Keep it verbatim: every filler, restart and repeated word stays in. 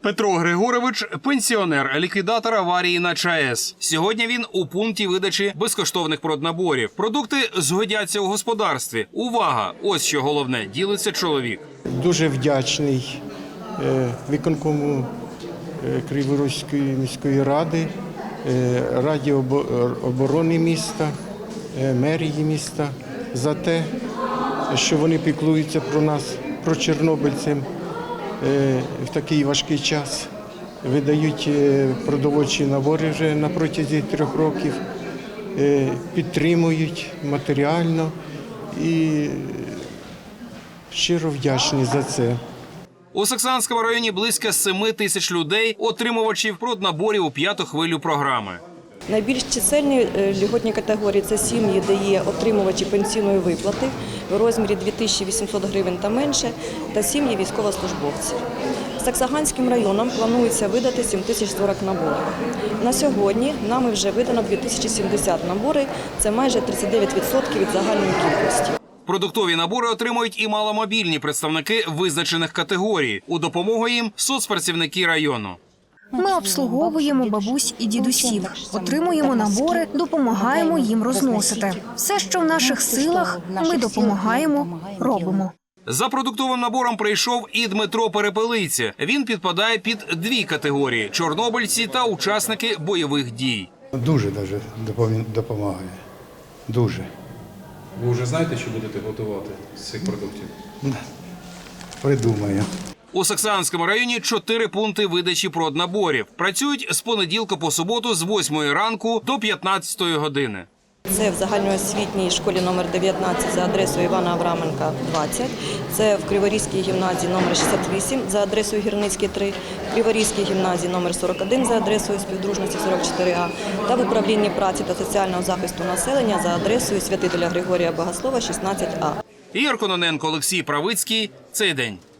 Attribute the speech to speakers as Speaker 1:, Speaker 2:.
Speaker 1: Петро Григорович – пенсіонер, ліквідатор аварії на ЧАЕС. Сьогодні він у пункті видачі безкоштовних проднаборів. Продукти згодяться у господарстві. Увага! Ось що головне – ділиться чоловік.
Speaker 2: Дуже вдячний виконкому Криворізької міської ради, Раді оборони міста, мерії міста за те, що вони піклуються про нас, про чорнобильців в такий важкий час. Видають продовольчі набори вже на протязі трьох років, підтримують матеріально і щиро вдячні за це.
Speaker 1: У Саксанському районі близько семи тисяч людей, отримувачів проднаборів у п'яту хвилю програми.
Speaker 3: Найбільш чисельні льготні категорії – це сім'ї, де є отримувачі пенсійної виплати в розмірі дві тисячі вісімсот гривень та менше, та сім'ї військовослужбовців. Саксаганським районом планується видати сім тисяч сорок наборів. На сьогодні нами вже видано дві тисячі сімдесят набори, це майже тридцять дев'ять відсотків від загальної кількості.
Speaker 1: Продуктові набори отримують і маломобільні представники визначених категорій. У допомогу їм – соцпрацівники району.
Speaker 4: Ми обслуговуємо бабусь і дідусів, отримуємо набори, допомагаємо їм розносити. Все, що в наших силах, ми допомагаємо, робимо.
Speaker 1: За продуктовим набором прийшов і Дмитро Перепелиця. Він підпадає під дві категорії – чорнобильці та учасники бойових дій.
Speaker 5: Дуже даже допомагає. Дуже.
Speaker 6: Ви вже знаєте, що будете готувати з цих продуктів?
Speaker 5: Придумаю.
Speaker 1: У Саксанському районі чотири пункти видачі проднаборів. Працюють з понеділка по суботу з восьмої ранку до п'ятнадцятої години.
Speaker 3: Це в загальноосвітній школі номер дев'ятнадцять за адресою Івана Авраменка, двадцять. Це в Криворізькій гімназії номер шістдесят вісім за адресою Гірницький, три. В Криворізькій гімназії номер сорок один за адресою Співдружності, сорок чотири А. Та в управлінні праці та соціального захисту населення за адресою Святителя Григорія Богослова, шістнадцять А.
Speaker 1: Ігор Кононенко, Олексій Правицький. Цей день.